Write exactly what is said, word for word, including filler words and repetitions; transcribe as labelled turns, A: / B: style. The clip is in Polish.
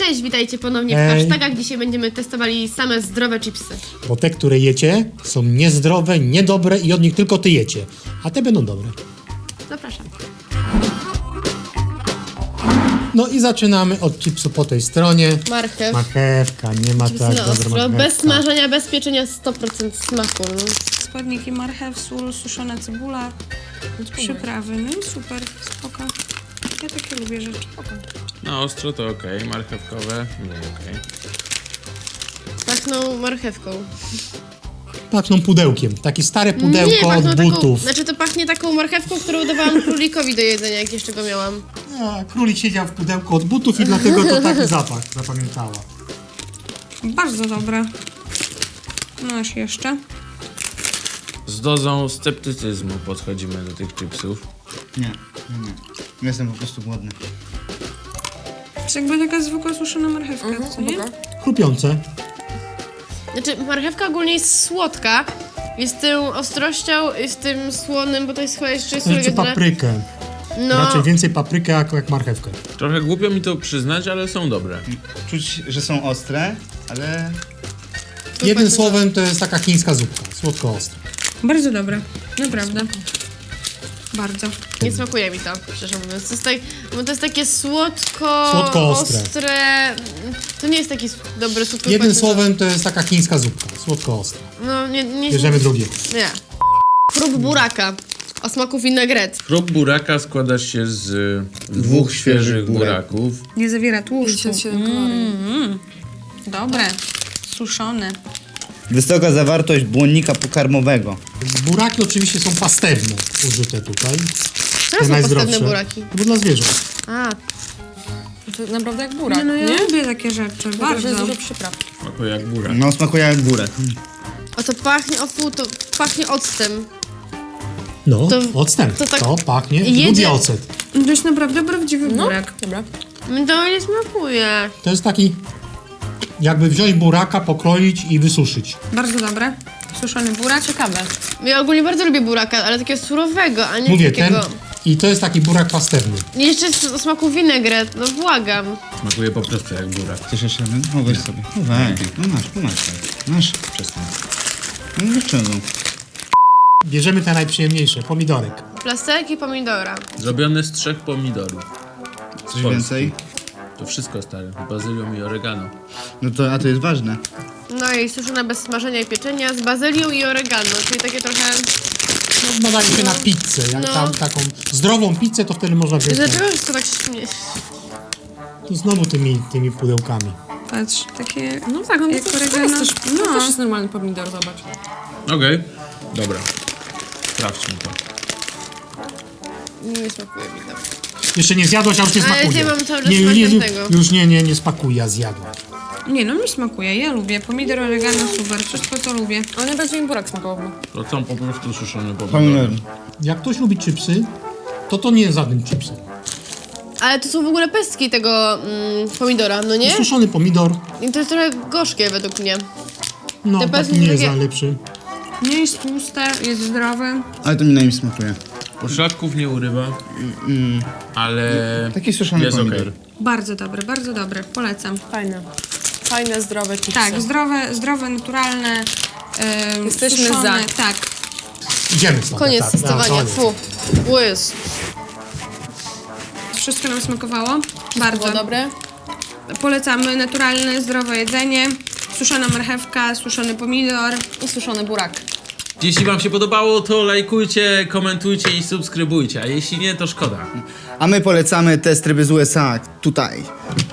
A: Cześć, witajcie ponownie w
B: Ej.
A: hashtagach. Dzisiaj będziemy testowali same zdrowe chipsy.
B: Bo te, które jecie, są niezdrowe, niedobre i od nich tylko ty jecie. A te będą dobre.
A: Zapraszam.
B: No i zaczynamy od chipsu po tej stronie.
A: Marchew.
B: Marchewka, nie ma tak
A: Na
B: dobra
A: ostro,
B: marchewka.
A: bez smażenia, bez pieczenia, sto procent smaku. No.
C: Składniki: marchew, sól, suszona cebula, przyprawy. No i super, spoko. Ja takie lubię rzeczy.
D: Na ostro to ok, marchewkowe mniej ok.
A: Pachną marchewką.
B: Pachną pudełkiem. Takie stare
A: Nie,
B: pudełko
A: pachną
B: od
A: taką,
B: butów.
A: znaczy to pachnie taką marchewką, którą dawałam królikowi do jedzenia, jak jeszcze go miałam.
B: A, królik siedział w pudełku od butów i dlatego to taki zapach zapamiętała.
C: Bardzo dobre. No aż jeszcze.
D: Z dozą sceptycyzmu podchodzimy do tych chipsów.
E: Nie, nie, nie. Jestem po prostu głodny.
C: To jest jakby taka zwykła suszona marchewka, co nie?
B: Chrupiące.
A: Znaczy marchewka ogólnie jest słodka. Jest tym ostrością, jest tym słonym, bo to jest chyba jeszcze słodkie.
B: Znaczy paprykę.
A: No,
B: Raczej więcej paprykę jak, jak marchewkę.
D: Trochę głupio mi to przyznać, ale są dobre.
E: Czuć, że są ostre, ale
B: Jednym
A: patrzę,
B: słowem to jest taka chińska zupka. Słodko-ostra.
C: Bardzo dobre, naprawdę. Bardzo.
A: nie smakuje mi to, szczerze mówiąc. To jest, tak, bo to jest takie słodko,
B: Słodko-ostre.
A: ostre. To nie jest taki s- dobry słodko.
B: Jednym słowem to jest taka chińska zupka. Słodko-ostra.
A: No, nie, nie.
B: Bierzemy drugie.
A: Nie. Prób buraka o smaku vinaigrette.
D: Prób buraka składa się z dwóch świeżych buraków.
C: Nie zawiera tłuszczu.
F: pięćdziesiąt siedem kalorii.
C: Mm, dobre. Suszone.
E: wysoka zawartość błonnika pokarmowego.
B: Buraki oczywiście są pastewne użyte tutaj.
A: Czemu są pastewne buraki?
B: No bo dla zwierząt.
A: A,
F: To naprawdę jak burak,
C: Nie, no ja
F: nie?
C: lubię takie rzeczy,
F: Tylko, że
C: bardzo.
F: jest dużo przypraw.
D: Smakuje jak burak.
E: No, smakuje jak burak.
A: o to pachnie, o fu, to pachnie octem.
B: No,
A: To-
B: octem.
A: to
B: To,
A: tak
B: pachnie.
A: jedzie-
B: Lubię ocet.
C: To jest naprawdę prawdziwy
F: No,
C: burak.
F: dobra.
A: Mi to nie smakuje.
B: To jest taki, jakby wziąć buraka, pokroić i wysuszyć.
C: Bardzo dobre. Suszony burak.
F: Ciekawe.
A: Ja ogólnie bardzo lubię buraka, ale takiego surowego, a nie
B: Mówię, ten.
A: takiego...
B: I to jest taki burak pastewny.
A: Jeszcze jest o smaku vinaigrette, no błagam.
D: Smakuje po prostu jak burak.
E: Chcesz jeszcze jeden? No weź sobie. No weź. No masz, no masz. Masz. Przestań. No dlaczego?
B: Bierzemy te najprzyjemniejsze. Pomidorek.
A: Plasterki pomidora.
D: Zrobione z trzech pomidorów.
E: Coś
D: Polski.
E: więcej?
D: To wszystko stare. Z bazylią i oregano.
E: No to, a to jest ważne.
A: No i suszone bez smażenia i pieczenia z bazylią i oregano, czyli takie trochę...
B: No, nadaje się na pizzę. Jak
A: No.
B: tam taką zdrową pizzę, to wtedy można wziąć.
A: Dlaczego to tak śmie...
B: To znowu tymi, tymi pudełkami.
C: Patrz, takie...
F: No tak, no
C: Jak
F: to, to
C: oregano.
F: jest też, no. to
C: No.
F: też jest normalny pomidor, zobacz.
D: Okej, dobra. Sprawdźmy to.
A: Nie smakuje mi to.
B: Jeszcze nie zjadłaś, a już nie
A: Ale
B: smakuje.
A: ja mam cały czas
B: nie,
A: smak
B: nie, nie,
A: tamtego.
B: już nie, nie, nie smakuje, ja zjadłam.
C: Nie no, mi smakuje, ja lubię. Pomidor, oregano, super, wszystko to lubię.
F: Ale najbardziej mi burak smakował.
D: To są po prostu suszone
E: Pomidor.
D: pomidory.
B: Jak ktoś lubi chipsy, to to nie jest żadnym chipsem.
A: Ale to są w ogóle pestki tego mm, pomidora, no nie?
B: Suszony pomidor,
A: I to jest trochę gorzkie według mnie.
B: no
A: Te
B: taki
A: pestki
B: nie jest
A: takie-
B: najlepszy.
C: Nie jest tłuste, jest zdrowe.
E: Ale to mi najmniej smakuje.
D: Poszlaków nie urywa, ale
E: Taki suszony
D: jest
E: pomidor.
D: okej.
C: Bardzo dobre, bardzo dobre, polecam.
F: Fajne. Fajne, zdrowe chipsy.
C: Tak, zdrowe, zdrowe, naturalne, em,
F: Jesteśmy
C: suszone,
F: za.
C: tak.
B: Idziemy stąd.
A: Koniec
B: tak,
A: testowania,
B: koniec.
A: fu. Łys.
C: Wszystko nam smakowało. Bardzo.
A: Było dobre?
C: Polecamy naturalne, zdrowe jedzenie. Suszona marchewka, suszony pomidor.
F: I suszony burak.
D: Jeśli wam się podobało, to lajkujcie, komentujcie i subskrybujcie, a jeśli nie, to szkoda.
E: A my polecamy test ryby z U S A tutaj.